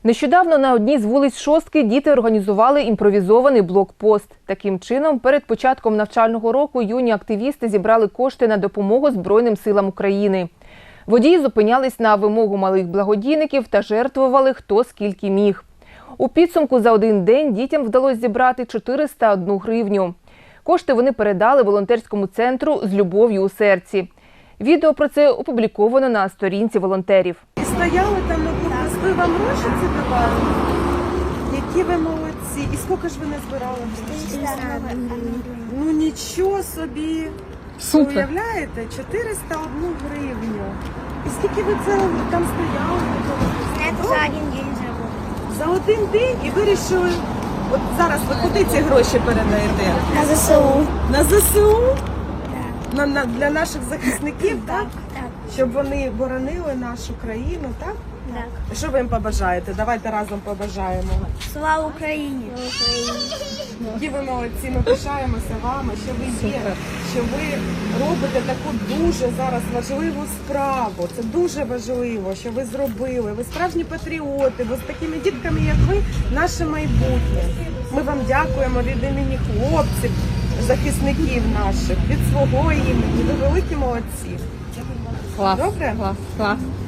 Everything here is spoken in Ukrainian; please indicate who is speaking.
Speaker 1: Нещодавно на одній з вулиць Шостки діти організували імпровізований блокпост. Таким чином, перед початком навчального року юні активісти зібрали кошти на допомогу Збройним силам України. Водії зупинялись на вимогу малих благодійників та жертвували хто скільки міг. У підсумку за один день дітям вдалося зібрати 401 гривню. Кошти вони передали волонтерському центру «З любов'ю у серці». Відео про це опубліковано на сторінці волонтерів.
Speaker 2: І стояли там на блокпосту, ви вам гроші ці давали? Які ви молодці. І скільки ж ви не збирали? Ну нічого собі.
Speaker 1: Супер.
Speaker 2: Ви уявляєте? 401 гривню. І скільки ви це там стояли?
Speaker 3: Это за один день заработал.
Speaker 2: За один день і вирішили, от зараз ви куди ці гроші передаєте?
Speaker 3: На ЗСУ.
Speaker 2: На ЗСУ?
Speaker 3: Да.
Speaker 2: Для наших захисників, так?
Speaker 3: Так.
Speaker 2: Щоб вони боронили нашу країну, так?
Speaker 3: Так.
Speaker 2: Що ви їм побажаєте? Давайте разом побажаємо.
Speaker 3: Слава Україні!
Speaker 2: Які ви молодці, ми пишаємося вами, що ви є, що ви робите таку дуже зараз важливу справу. Це дуже важливо, що ви зробили. Ви справжні патріоти, бо з такими дітками, як ви, наше майбутнє. Ми вам дякуємо від імені хлопців, захисників наших, від свого імені. Ви великі молодці.
Speaker 1: Клас.
Speaker 2: Добре?
Speaker 1: Клас.